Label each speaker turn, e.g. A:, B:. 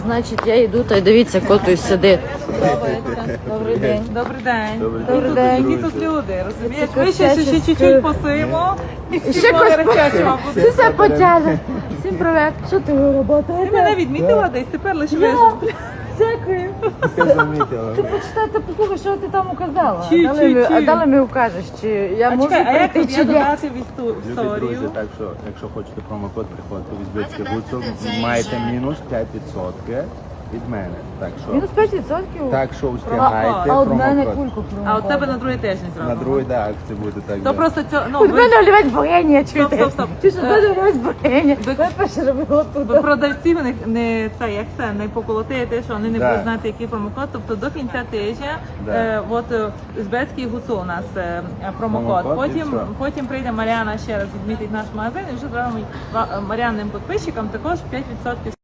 A: Значить, я йду, та й дивіться, коту сидить. Добрий день.
B: Добрий день.
A: Добрий день.
B: Які тут люди, розумієш?
A: Це
B: Ми ще
A: курчачі
B: чуть-чуть посимо і всі
A: Ще
B: ноги
A: когось
B: розчачимо.
A: Ти все потягне. Всім привіт. Що ти робота?
B: Ти мене відмітила десь, тепер лише вижу.
A: Дякую.
C: Замітила.
A: Ти почитай, ти послухай, що ти там указала.
B: Чую, чую,
A: А
B: чую.
A: далі мені укажеш, чи я
B: А
A: можу
B: чекай, а як
A: прийти,
B: тут
A: чи
B: я
A: ні.
B: додати в
C: Любі
B: історію?
C: друзі, так що, якщо хочете промокод, приходьте в Узбецьке Гуцул, маєте мінус 5% від мене. Так що,
A: Мінус 5%?
C: так що устягайте
A: А от мене
C: промокод.
A: кульку
B: А от тебе на
A: промокод.
B: другий тиждень
C: На
B: зробимо.
C: другий да, акція буде так.
B: То
C: да.
B: просто цього, ну,
A: Від мене олівець богиня, чуєте?
B: Стоп.
A: Чи що мене олівець богиня? Я перше робила тут.
B: ви продавців не це, як це, не поколотите, що вони не
C: Да.
B: будуть знати, який промокод. Тобто до кінця тижня
C: Да.
B: Узбецький Гуцул у нас
C: Промокод,
B: промокод.
C: і все.
B: Потім прийде Мар'яна ще раз відмітить наш магазин і вже зробимо Мар'янним підписчикам також 5%